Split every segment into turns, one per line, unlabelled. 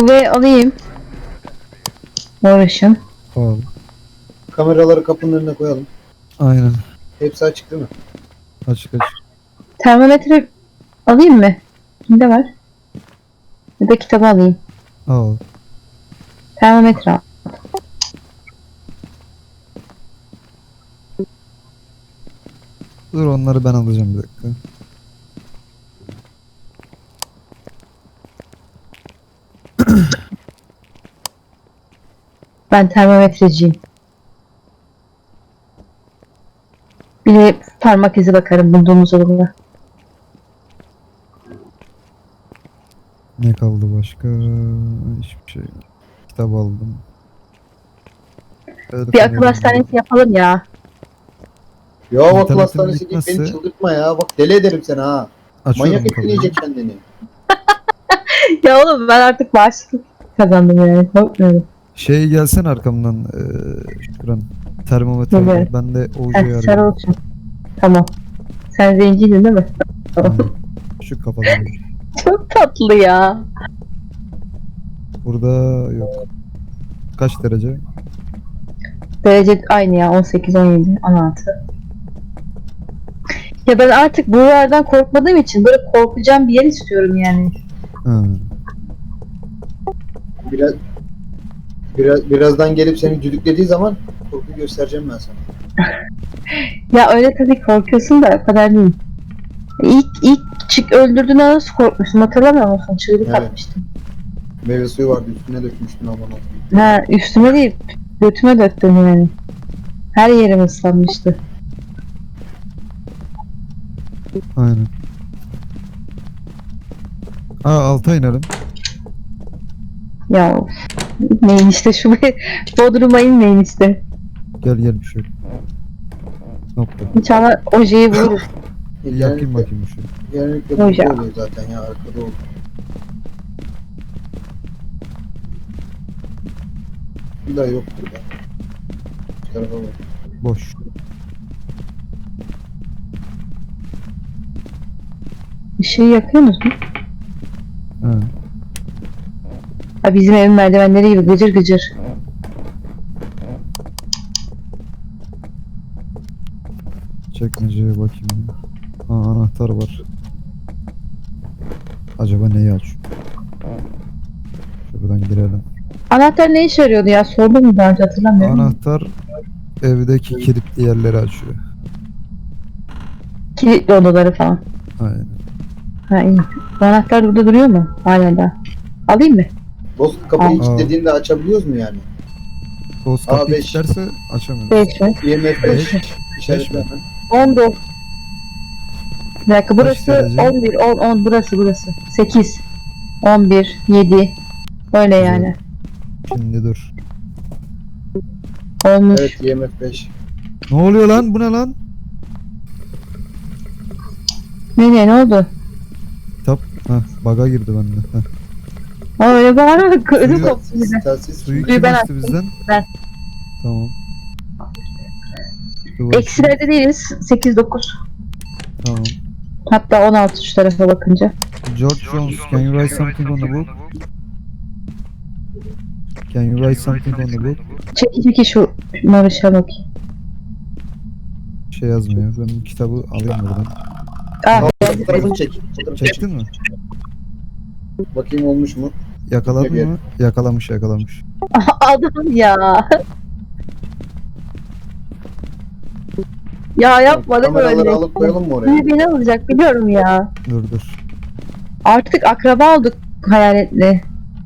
UV alayım. Uğraşın.
Al.
Kameraları kapının önüne koyalım.
Aynen.
Hepsi açık değil mi?
Açık açık.
Termometre alayım mı? Kimde var? Ya da kitabı alayım.
Al.
Termometre al.
Dur onları ben alacağım bir dakika.
Ben termometreciyim. Bir de parmak izi bakarım bulduğumuz olurla.
Ne kaldı başka? Hiçbir şey. Kitap aldım. Evet,
Bir akıl hastanesi yapalım ya.
Ya akıl
İnternetin
hastanesi deyip beni
bitmezse-
çıldırtma ya. Bak deli ederim seni ha.
Açıyorum
Manyak
kapıyı.
etkileyecek kendini.
Ya oğlum ben artık bağışıklık kazandım yani. Korkmuyorum.
Şey gelsen arkamdan Şükran. Termometre.
Evet.
Ben de
Heh,
Oğuz'u
sarı
arıyorum.
olsun. Tamam. Sen zenciydin değil mi?
Aynen. Şu kafalı.
Çok tatlı ya.
Burada yok. Kaç derece?
Derece aynı ya. 18, 17, 16. Ya ben artık buralardan korkmadığım için böyle korkacağım bir yer istiyorum yani.
Ha.
Birazdan gelip seni düdüklediği zaman korku göstereceğim ben sana.
Ya öyle tabii korkuyorsun da o kadar değil. İlk çık öldürdüğünde nasıl korkmuştum hatırlamıyor musun? Çığlık
Evet.
atmıştım.
Meyve suyu vardı üstüne dökmüştün aman Allah'ım.
Ha üstüme değil götüme döktüm yani. Her yerim ıslanmıştı.
Aynen. Alta inelim.
Ya of. Neyin işte şu Bodrum'a inmeyin işte.
Gel bir şey. Nokta.
İnşallah ojeyi buluruz.
Yakayım bakayım bir şey.
Genellikle
Hoca.
burada oluyor zaten ya arkada oluyor. Bir daha yok burada. Bu tarafa bak.
Boş.
Işığı yakıyorsunuz mu?
Ha.
Ha, bizim evin merdivenleri gibi gıcır gıcır.
Çekmeceye bakayım. Anahtar var. Acaba neyi aç? Şuradan girelim.
Anahtar ne işe yarıyordu ya? Sordum mu daha önce hatırlamıyorum.
Anahtar evdeki kilitli yerleri açıyor.
Kilitli odaları falan.
Aynen.
Ha iyi. Bu anahtar burada duruyor mu? Hala da. Alayım mı?
Dost kapıyı
Aa.
kilitlediğinde açabiliyoruz mu yani?
Toz kapıyı
A5.
kilitlerse açamıyoruz.
5 mi?
IMF
Beş.
5 işaretler mi?
19. Bir dakika burası
derece?
11, 10 burası. 8, 11, 7. Öyle yani.
Şimdi dur.
Olmuş.
Evet IMF 5.
Ne oluyor lan? Bu ne lan?
Ne oldu?
Kitap. Baga girdi bende. Heh.
Aa, öyle bağırarak ödüm
Suyu-
koptu bize.
Telsiz
Suyu
Suyu
kim
ben
açtı bizden?
Ben.
Tamam. Dur bakayım.
Eksilerde değiliz. 8, 9.
Tamam.
Hatta 16 şu tarafa bakınca.
George Jones, can you write something on the book? Can you write something on the book?
Çek şu Marış'a bakayım.
Bir şey yazmıyor. Ben bu kitabı alayım buradan.
Ah,
Fotoğrafını çek. Fotoğrafını çek.
Çektin mi?
Bakayım olmuş mu?
Yakaladın
Gel.
mı? Yakalamış.
adam ya. Ya yapma değil mi
Kameraları
öyle?
alıp koyalım mı oraya?
Biri beni alacak biliyorum ya.
Dur.
Artık akraba olduk hayaletle.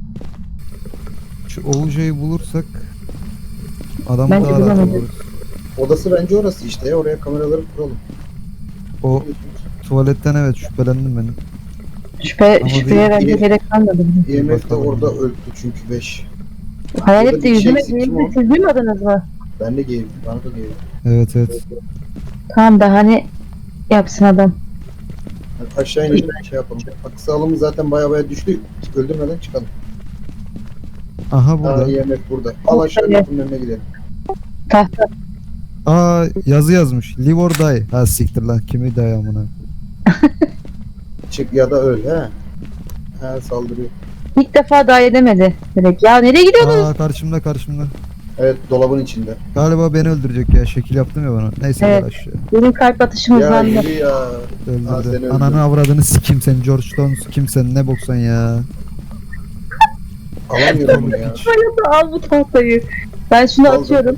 Şu Oğuz'u bulursak adamı
Bence
daha rahat
bulamadım.
buluruz.
Odası bence orası işte ya. Oraya kameraları kuralım.
O tuvaletten evet şüphelendim benim.
Şüpheye bence
bir-
gerek kalmadı. Bizim.
IMF de
Bakalım.
orada öldü çünkü 5.
Hayalet
Orada
de
bir şey
yüzüme
eksik, kim
girdi.
o?
Siz duymadınız mı?
Ben de giydim. Bana da giydim.
Evet.
Tamam da hani yapsın adam.
Hadi aşağı inelim şey yapalım. Bak sağlığımız zaten baya düştü. Öldürmeden çıkalım.
Aha burada.
IMF burada. Al aşağı
Evet.
kapının önüne gidelim.
Tahta.
Yazı yazmış. Live or die. Ha siktir lan. Kimi die amına.
Çık ya da öl he. He saldırıyor.
İlk defa dahil edemedi. Direkt. Ya nereye gidiyorsunuz?
Aa karşımda.
Evet, dolabın içinde.
Galiba beni öldürecek ya. Şekil yaptım ya bana. Neyse
Evet.
gel aşağı.
Benim kalp atışım
Ya
hızlandı.
yürü ya. Aa, seni
Öldürdü.
öldürdü.
Ananı avradını sikeyim sen. George Stone kim sen? Ne boksan ya.
Alamıyorum bunu ya.
Al bu tahtayı. Ben şunu
Aldım.
atıyorum.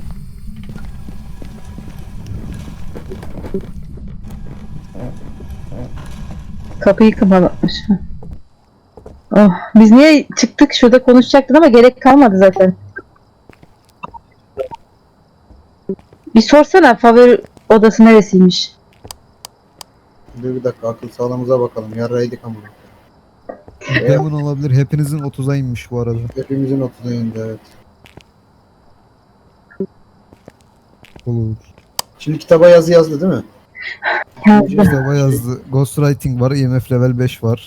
Kapıyı kapatmış. Oh, biz niye çıktık? Şurada konuşacaktık ama gerek kalmadı zaten. Bir sorsana favori odası neresiymiş?
Dur bir dakika, akıl sağlığımıza bakalım. Yarraydık ama.
Demon olabilir. Hepinizin 30'a inmiş bu arada.
Hepimizin 30'a indi, evet.
Olur.
Şimdi kitaba yazı yazdı değil mi?
Yazdım.
Kitaba yazdı. Ghostwriting var. IMF level 5 var.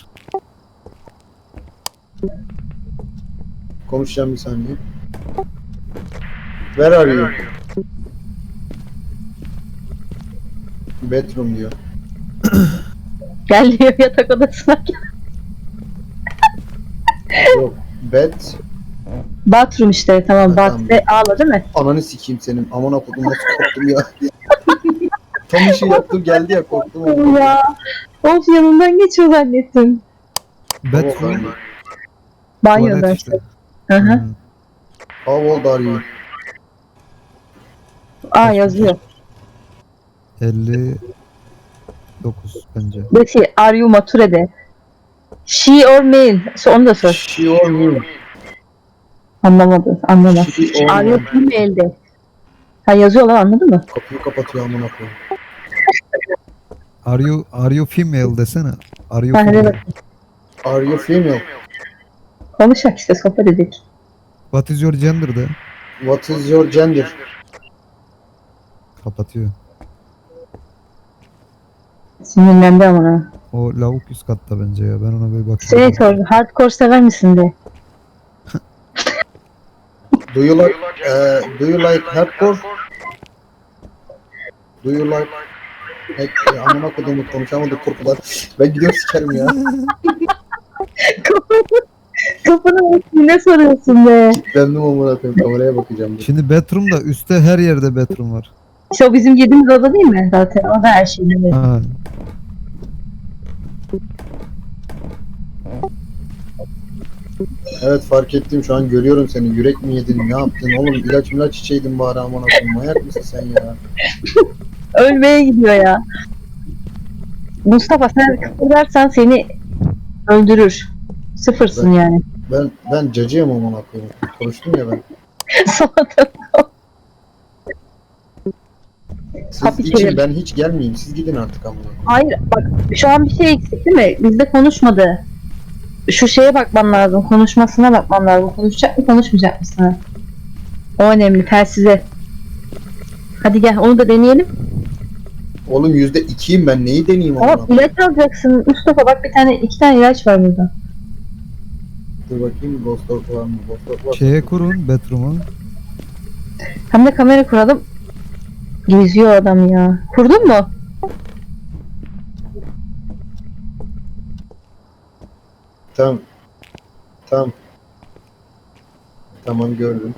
Konuşacağım bir saniye. Where are you? Bedroom diyor.
Gel diyor yatak odasına.
Yok. Bed.
Bathroom işte tamam.
Ha,
Bat
tamam.
ve ağla değil mi?
Ananı sikeyim senin. Amına kodum, nasıl korktum ya. Tam işi yaptım geldi ya, korktum. ama.
Ya. Of yanından geçiyor zannettim.
Bedroom.
Banyoda
Tuvalet
işte.
işte.
Hı hı.
Hmm.
How old are you?
Aa yazıyor.
59 bence.
Betty, are you maturede? She or male? Onu da sor.
She or me?
Anlamadı. Anlamaz.
She or
Are you
me?
female'de? Ha yazıyorlar anladın mı?
Kapıyı kapatıyor amına koyayım.
Are you female desene. Are you
Ha, hadi
female?
bak.
Are you female?
Konuşak işte sohbet edik.
What is your gender de?
What is your gender?
Kapatıyor.
Sinirlendi ama ha.
O lavuk üst katta bence ya. Ben ona bir bakayım.
Şey sor, hardcore sever misin de?
Do you like hardcore? Do you like amına kodumu konuşamadık korkudan. Ben gidiyorum sikerim ya.
Kapını ne soruyorsun be?
Kilitlendim amına koyayım, kameraya bakacağım. Dur.
Şimdi bedroom'da üstte her yerde bedroom var.
İşte o bizim girdiğimiz oda değil mi zaten? O da her şey değil mi?
Ha.
Evet, fark ettim, şu an görüyorum seni. Yürek mi yedin, ne yaptın oğlum? İlaç içeydin bari amına koyayım. Manyak mısın sen ya?
Ölmeye gidiyor ya. Mustafa sen kıpırdarsan seni öldürür. Sıfırsın yani.
Ben cacıyım amına koyayım. Konuştum ya ben.
Salata.
Siz
Tabii
için
ki.
ben hiç gelmeyeyim. Siz gidin artık amına koyayım.
Hayır bak şu an bir şey eksik değil mi? Bizde konuşmadı. Şu şeye bakman lazım. Konuşmasına bakman lazım. Konuşacak mı konuşmayacak mı sana? O önemli. Telsize. Hadi gel onu da deneyelim.
Oğlum %2'yim ben. Neyi deneyeyim amına
Ama
koyayım?
ilaç alacaksın. Mustafa bak iki tane ilaç var burada.
Dur bakayım, Ghost Dog var mı? Ghost Dog var.
Şeye kurun bedroom'u.
Hem de kamera kuralım. Geziyor adam ya. Kurdun mu?
Tamam. Tamam. Tamam, gördüm.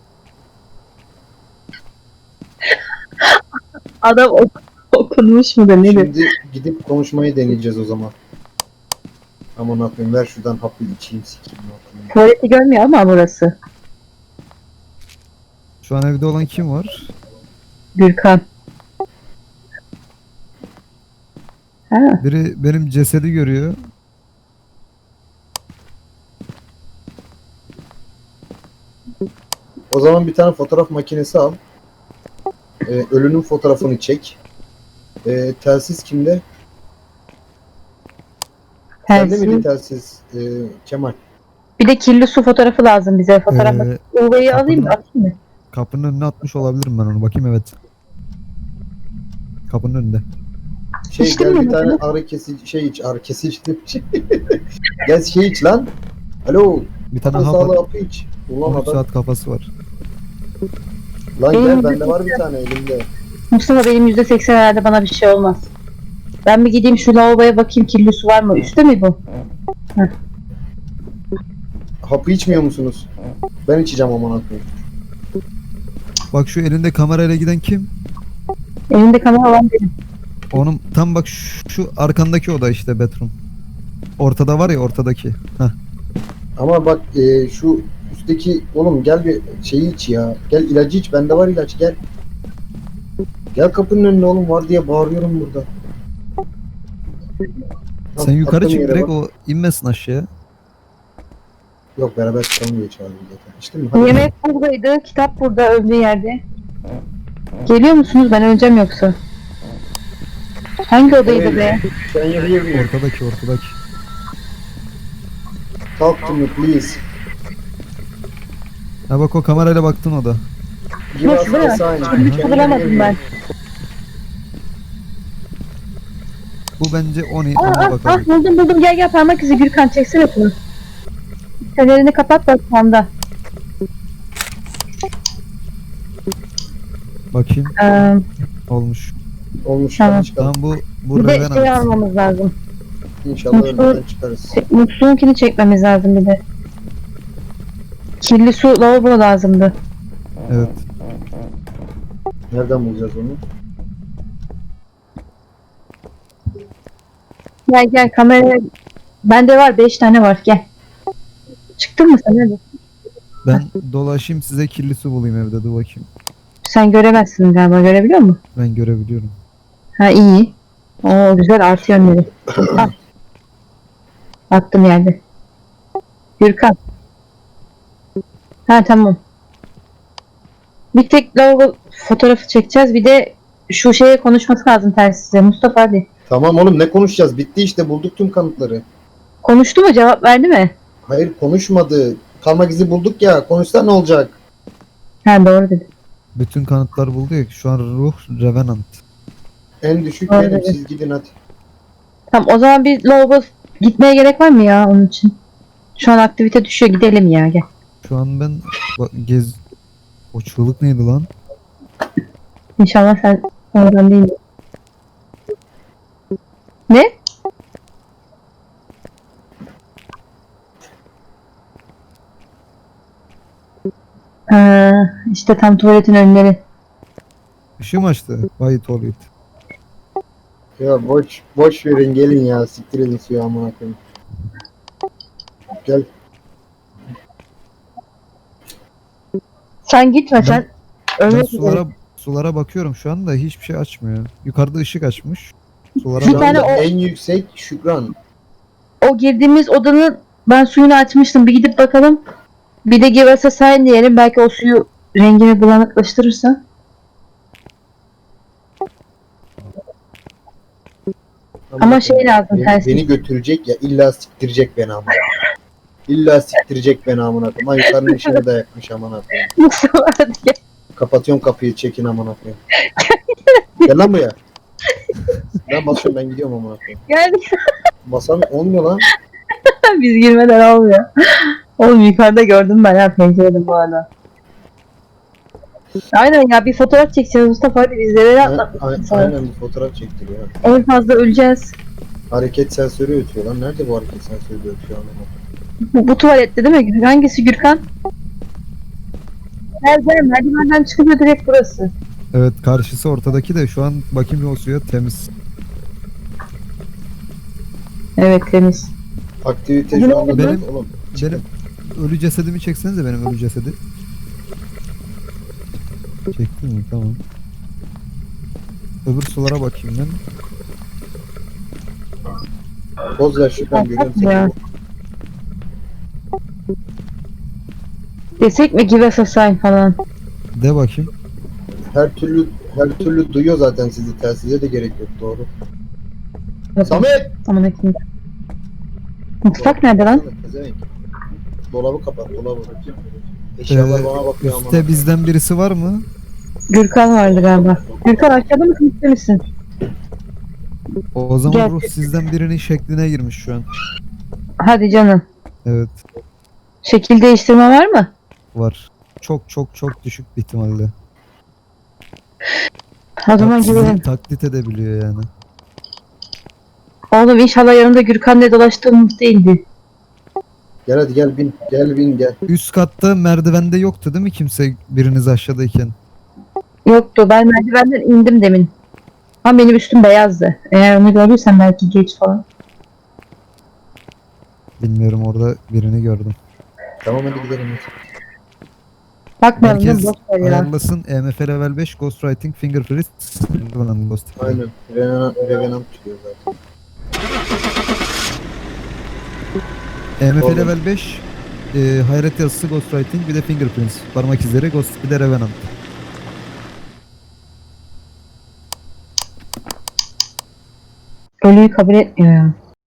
Adam okunmuş mu da nedir?
Şimdi gidip konuşmayı deneyeceğiz o zaman. Aman akıyım, ver şuradan hapı içeyim sikeyim. Akıyım.
Tuvaleti görmüyor ama burası.
Şu an evde olan kim var?
Gürkan. Ha,
Biri benim cesedi görüyor.
O zaman bir tane fotoğraf makinesi al. Ölünün fotoğrafını çek. Telsiz kimde? Sende miydi
telsiz.
telsiz? Kemal.
Bir de kirli su fotoğrafı lazım bize. Fotoğraf UV'yi alayım mı?
kapının-
Atayım mı?
Kapının önüne atmış olabilirim ben onu. Bakayım evet. Kapının önünde.
İçtin
Gel
mi
bir tane
bunu?
ağrı kesici ağrı kesici Gel iç lan. Alo.
Bir tane
Akıl
hap
sağlığı
at.
hapı iç. Ulan
13
adam.
saat kafası var.
Lan
Benim
gel, bende var bir tane elimde.
Mustafa benim %80 herhalde bana bir şey olmaz. Ben bir gideyim şu lavaboya bakayım kirli su var mı? Üstte mi bu?
Hapı içmiyor musunuz? Ben içeceğim aman akıyım.
Bak şu elinde kamerayla giden kim?
Elinde kamera olan benim.
Onun tam bak şu arkandaki oda işte bedroom. Ortada var ya ortadaki. Heh.
Ama bak şu üstteki oğlum gel bir şeyi iç ya. Gel ilacı iç. Bende var ilaç gel. Gel kapının önüne oğlum var diye bağırıyorum burada.
Sen yukarı
attığım
çık
yere
direkt
bak.
o inmesin aşağıya.
Yok beraber çıkalım diye çağırdım zaten. İçtin mi? Hadi.
Yemek buradaydı. Kitap burada öldüğü yerde. Geliyor musunuz? Ben öleceğim yoksa. Hangi odaydı be?
Can you hear me?
Ortadaki.
Talk to me please.
Ha bak o kamerayla baktın oda.
Give us
Nasıl değil
a
mi?
sign.
Hiç
Can you
bulamadım
hear
ben.
me?
Bu bence Oni
Aa,
ona
ah,
bakalım.
buldum. Gel parmak izi Gürkan çeksene şunu. Fenerini kapat bak panda.
Bakayım olmuş.
Olmuş.
Tamam.
Hadi çıkalım.
Tamam bu
Bir de şey
Revenant.
almamız lazım.
İnşallah ölmeden çıkarız.
Musluğunkini çekmemiz lazım bir de. Kirli su lavabo lazımdı.
Evet.
Nereden bulacağız onu?
Gel kamera. Bende var 5 tane var gel. Çıktın mı sen hadi.
Ben dolaşayım size kirli su bulayım evde dur bakayım.
Sen göremezsin galiba görebiliyor musun?
Ben görebiliyorum.
Ha iyi. Oo güzel artı yönleri. Al. Attım yerde. Gürkan. Ha tamam. Bir tek lavabo fotoğrafı çekeceğiz. Bir de şu şeye konuşması lazım telsizle. Mustafa hadi.
Tamam oğlum ne konuşacağız? Bitti işte bulduk tüm kanıtları.
Konuştu mu? Cevap verdi mi?
Hayır konuşmadı. Kalmak izi bulduk ya. Konuşsa ne olacak?
Ha doğru dedi.
Bütün kanıtlar buldu ya şu an ruh Revenant.
En düşük
Doğru
benim.
dedi.
Siz gidin hadi.
Tamam o zaman bir lavabo gitmeye gerek var mı ya onun için? Şu an aktivite düşüyor gidelim ya gel.
Şu an ben o çığlık neydi lan?
İnşallah sen oradan değil. Ne? İşte tam tuvaletin önleri.
Işığı mı açtı? Vay tuvalet.
Ya boş verin gelin ya. Siktir edin suyu amına koyayım. Gel.
Sen gitme
Ben-
sen.
Ben
Ölmek üzere.
sulara bakıyorum şu anda hiçbir şey açmıyor. Yukarıda ışık açmış. Sulara
Bir
Şu
tane
anda
o-
en yüksek Şükran.
O girdiğimiz odanın ben suyunu açmıştım. Bir gidip bakalım. Bir de give us a sign diyelim. Belki o suyu rengini bulanıklaştırırsa. Ama şey lazım
Beni,
tersi.
beni götürecek ya illa siktirecek beni amına. İlla siktirecek beni amına koyayım. Ay yukarının işini de yakmış amına koyayım.
Mustafa hadi gel.
Kapatıyorum kapıyı çekin amına koyayım. Gel lan buraya. Ben basıyorum ben gidiyorum amına koyayım.
Geldik.
Basan olmuyor lan.
Biz girmeden olmuyor. Oğlum yukarıda gördüm ben ya pencerede bu arada. Aynen ya bir fotoğraf çekeceğiz Mustafa hadi bizlere atlatmasın sana.
Aynen bir fotoğraf çektir ya.
En fazla öleceğiz.
Hareket sensörü ötüyor lan. Nerede bu hareket sensörü de ötüyor amına koyayım?
Bu tuvalette değil mi? Hangisi Gürkan? Nerede? Merdivenden çıkıyor direkt burası.
Evet karşısı ortadaki de şu an bakayım bir o suya temiz.
Evet temiz.
Aktivite şu anda
Benim-
oğlum.
Benim ölü cesedimi çeksenize benim ölü cesedi. Çektin mi? Tamam. Öbür sulara bakayım ben.
Poz ver Şükran görüyorum
Ya.
seni.
Desek mi give us a sign falan.
De bakayım.
Her türlü duyuyor zaten sizi. Telsize de gerek yok doğru. Samet!
Aman ekmeğim. Mutfak nerede lan?
Pezevenk. Dolabı kapat dolabı. Eşyalar bana bakıyor ama.
Üstte bizden birisi var mı?
Gürkan vardı galiba. Gürkan aşağıda mısın üstte misin?
O zaman
Gel.
ruh sizden birinin şekline girmiş şu an.
Hadi canım.
Evet
Şekil değiştirme var mı?
var. Çok çok çok düşük bir ihtimalle.
O zaman
Sizi
gidelim.
taklit edebiliyor yani.
Oğlum inşallah yanımda Gürkan diye dolaştığımız değildi.
Gel hadi gel bin. Gel bin gel.
Üst katta merdivende yoktu değil mi kimse biriniz aşağıdayken?
Yoktu. Ben merdivenden indim demin. Ama benim üstüm beyazdı. Eğer onu gördüysen belki geç falan.
Bilmiyorum, orada birini gördüm.
Tamam hadi gidelim. Hadi.
Bakmayalım değil mi?
Herkes
Boş ver ya.
ayarlasın. EMF level 5 Ghostwriting Fingerprint Ghost.
Aynen. Revenant çıkıyor zaten.
EMF
Oğlum.
level 5 hayret yazısı Ghostwriting, bir de Fingerprints. Parmak izleri Ghost, bir de Revenant.
Ölüyü kabul etmiyor ya.